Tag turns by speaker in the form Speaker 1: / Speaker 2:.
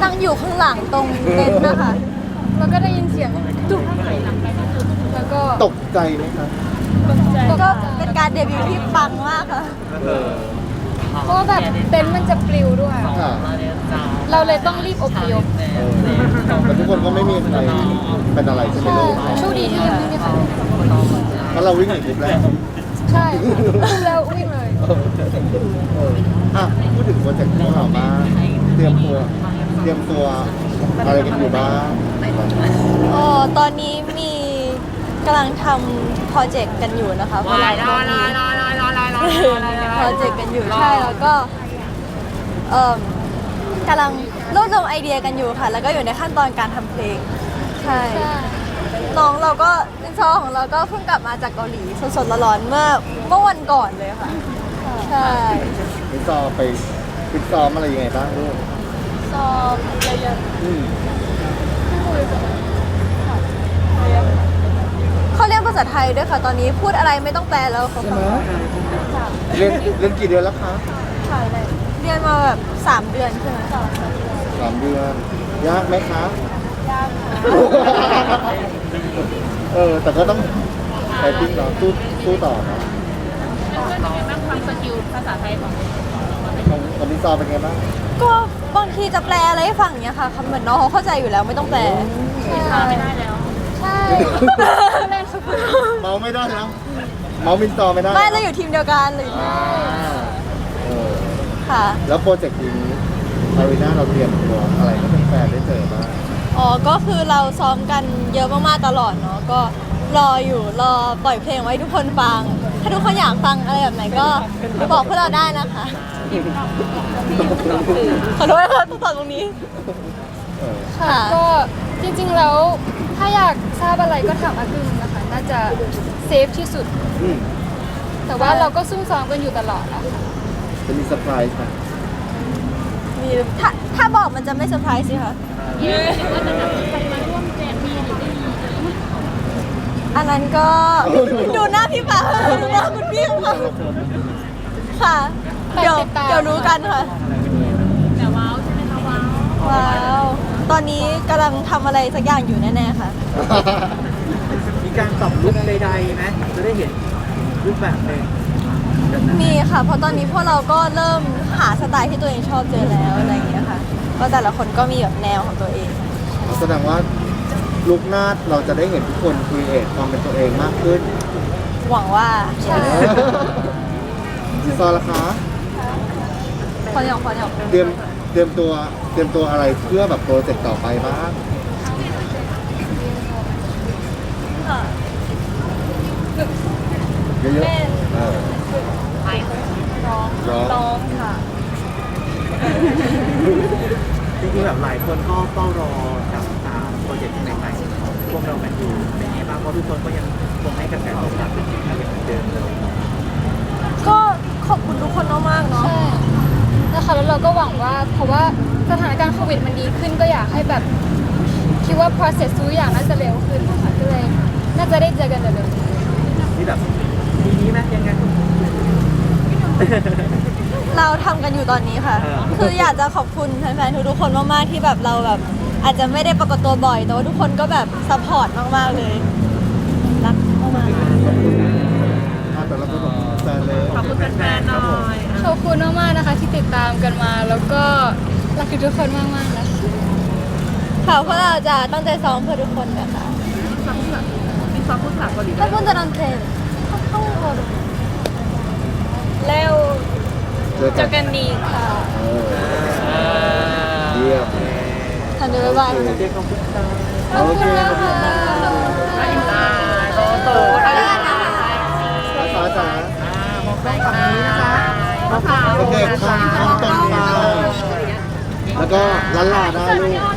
Speaker 1: นั่งอยู่ข้างหลังตรงเต็นท์นะคะแล้วก็ได้ยินเสียงตุ๊บแล้วก็
Speaker 2: ตกใจไหมครับ
Speaker 1: ก็เป็นการเดบิวต์ที่ปังมากค่ะ
Speaker 3: เพราะว่าแบบเต็นท์มันจะปลิวด้วย
Speaker 2: ค่ะ
Speaker 3: เราเลยต้องรีบอพยพ
Speaker 2: แต่ทุกคนก็ไม่มีใครเป็นอะไรใช่ไหมลูก
Speaker 3: โชคดีที่ยังไม่มีใคร
Speaker 2: เพราะเราวิ่งหนีคลิปแรก
Speaker 3: ใช่แล้ววิ่งเลย
Speaker 2: อ่ะพูดถึงโปรเจกต์ของเราบ้างเตรียมตัวอะไรกันอยู่บ้าง
Speaker 1: อ๋อตอนนี้มีกำลังทำโปรเจกต์กันอยู่นะคะเพราะเราก็มีโปรเจกต์กันอยู่ใช่แล้วก็กำลังรวบรวมไอเดียกันอยู่ค่ะ แล้วก็อยู่ในขั้นตอนการทำเพลงใช่น้องเราก็เป็นซอของเราก็เพิ่งกลับมาจากเกาหลีสดๆร้อนๆเมื่อวันก่อนเลยค่ะใช่
Speaker 2: ฟิตซ้อมไปฟิตซ้อมอะไรยังไงบ้างลูก
Speaker 1: ซ้อมเยอะ
Speaker 2: อืม
Speaker 1: ๆเขาเรียกภาษาไทยด้วยค่ะ ตอนนี้พูดอะไรไม่ต้องแปลแล้วเขาฟัง
Speaker 2: เรียนกี่เดือนแล้วคะ
Speaker 1: เรียนมาแบบ3 เดือนใช่ไหม
Speaker 2: 3 เดือนยากไหมคะ
Speaker 1: ยากค่ะ
Speaker 2: แต่ก็ต้องไปติ้งเนาะสู้ต่อเนาะ
Speaker 3: เพื่อนๆเป็นไงบ้างความสกิลภาษาไทยของ
Speaker 2: ของฟิตซ้อมเป็นไงบ้าง
Speaker 1: ก็บางทีจะแปลอะไรให้ฟังเนี้ยค่ะคำเหมือนน้องเขาเข้าใจอยู่แล้วไม่ต้องแปลใช่
Speaker 3: ไม่ได้แล้ว
Speaker 1: ใช่
Speaker 2: เมาไม่ได้แล้วเมาฟิตซ้อมไม่ได้
Speaker 1: ไม่เราอยู่ทีมเดียวกันเลย
Speaker 2: เออ
Speaker 1: ค่ะ
Speaker 2: แล้วโปรเจกต์นี้อารีนาเราเตรียมตัวอะไรให้แฟนๆได้เจอบ้าง
Speaker 1: อ๋อก็คือเราซ้อมกันเยอะมากๆตลอดเนาะก็รอปล่อยเพลงไว้ให้ทุกคนฟัง ถ้าทุกคนอยากฟังอะไรแบบไหนก็บอกพวกเราได้นะคะขอโทษค่ะต้องตอบตรงนี้
Speaker 2: เออ
Speaker 1: ค่ะ
Speaker 3: ก็จริงๆแล้วถ้าอยากทราบอะไรก็ถามอากึมนะคะ น่าจะเซฟที่สุด
Speaker 2: อืม
Speaker 3: แต่ว่าเราก็ซุ่มซ้อมกันอยู่ตลอดอะค่ะ
Speaker 2: จะมีเซอร์ไพรส์ไหม
Speaker 1: มีถ้าบอกมันจะไม่เซอร์ไพรส์สิคะอันนั้นก็ดูหน้าพี่ปาดูหน้าคุณพี่ค่ะค่ะ เดี๋ยวรู้กันค่ะ
Speaker 3: แต่ว้าวใช่ไหมคะว้าว
Speaker 1: ว้าวตอนนี้กำลังทำอะไรสักอย่างอยู่แน่ๆค่ะ
Speaker 4: มีการปรับลุคใดๆไหมจะได้เห็นรูปแบบหนึ่ง
Speaker 1: มีค่ะ เพราะตอนนี้พวกเราก็เริ่มหาสไตล์ที่ตัวเองชอบเจอแล้วอะไรอย่างเงี้ยค่ะก็แต่ละคนก็มีแบบแนวของตัวเอง
Speaker 2: แสดงว่าลุกหน้าเราจะได้เห็นทุกคนครีเอทความเป็นตัวเองมากขึ้น
Speaker 1: หวังว่าใช่
Speaker 2: ซอละคะ
Speaker 1: พออย่าง
Speaker 2: เตรียมตัวอะไรเพื่อแบบโปรเจกต์ต่อไปบ้าง
Speaker 1: ค่ะ
Speaker 2: เยอะๆร้อง
Speaker 1: ร้องค่ะ
Speaker 4: จริงๆแบบหลายคนก็เฝ้ารอกับโปรเจกต์ใหม่ๆพวกเรากันอยู่เป็นไงบ้างเพราะทุกคนก็ยังคงให้กระแสตอบรับเป็นอย่างเหมือนเดิมเลย
Speaker 1: ก็ขอบคุณทุกคนมากๆเนาะ
Speaker 3: ใช่นะคะแล้วเราก็หวังว่าเพราะว่าสถานการณ์โควิดมันดีขึ้นก็อยากให้แบบคิดว่า process ทุกอย่างน่าจะเร็วขึ้นนะคะก็เลยน่าจะได้เจอกันเร็วๆ
Speaker 4: ที่แบบปีนี้ไหมยังไง
Speaker 1: เราทำกันอยู่ตอนนี้ค่ะ คืออยากจะขอบคุณแฟนๆทุกๆคนมากๆที่แบบเราแบบอาจจะไม่ได้ปรากฏตัวบ่อยแต่ว่าทุกคนก็แบบซัพพอร์ตมากๆเลยรักมากๆ
Speaker 2: แต่ละคนของแฟนเลย
Speaker 4: ขอบคุณแฟนๆหน่อย
Speaker 3: ขอบคุณมากๆนะคะที่ติดตามกันมา แล้วก็รักทุกคนมากๆนะคะ
Speaker 1: ค่ะเพราะเราจะตั้งใจซ้อมเพื่อทุกคนนะคะ
Speaker 4: มีซ้อมพูดภาษาเกาหลี
Speaker 1: ถ้าคุณจะนอนเทรนเข้าโคด
Speaker 3: แล้ว
Speaker 2: เจอ
Speaker 3: เจ
Speaker 2: กั
Speaker 3: อน กันดีค่ะ
Speaker 2: เยี่ยม
Speaker 1: ทันเดอร์บาย
Speaker 4: เด็กของพุทธา
Speaker 2: โอเคขอบคุณมาก
Speaker 4: โต
Speaker 2: ภาษาจ๋าม
Speaker 4: องไปฝั่งนี้นะคะมองขาว
Speaker 2: โอเคข้างตรงไปแล้วก็ล้านลาได้ลูก